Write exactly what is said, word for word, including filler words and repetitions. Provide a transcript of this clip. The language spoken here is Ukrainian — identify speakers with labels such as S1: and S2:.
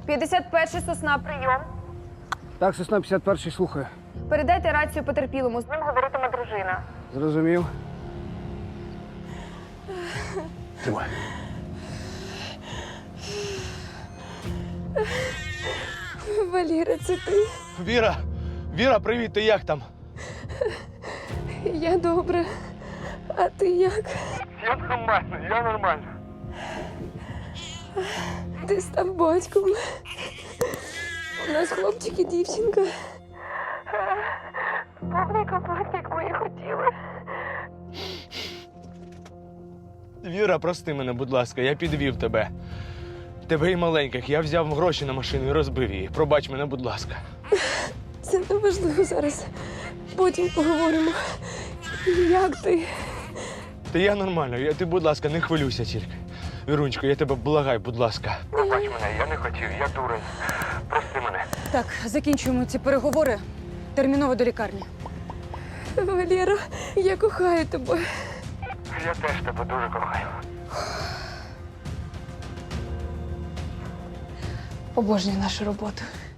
S1: п'ятдесят перший Сосна, прийом.
S2: Так, Сосна п'ятдесят перший, слухаю.
S1: Передайте рацію потерпілому, з ним говоритиме дружина.
S2: Зрозумів.
S3: Тримай.
S4: Валера, це ти?
S3: Віра! Віра, привіт, ти як там?
S4: Я добре. А ти як?
S3: Я нормально, я нормально.
S4: Ти став батьком. У нас хлопчик і дівчинка. Повний комплект, як ми і хотіли.
S3: Віра, прости мене, будь ласка, я підвів тебе. Тебе і маленьких. Я взяв гроші на машину і розбив її. Пробач мене, будь ласка.
S4: Це не важливо зараз. Потім поговоримо. Як ти?
S3: Та я нормально, я, ти, будь ласка, не хвилюйся тільки. Вірунечко, я тебе благаю, будь ласка. Пробач мене, я не хотів, я дурень. Прости мене.
S5: Так, закінчуємо ці переговори. Терміново до лікарні.
S4: Валера, я кохаю тебе.
S3: Я теж тебе дуже кохаю.
S4: Обожнюю нашу роботу.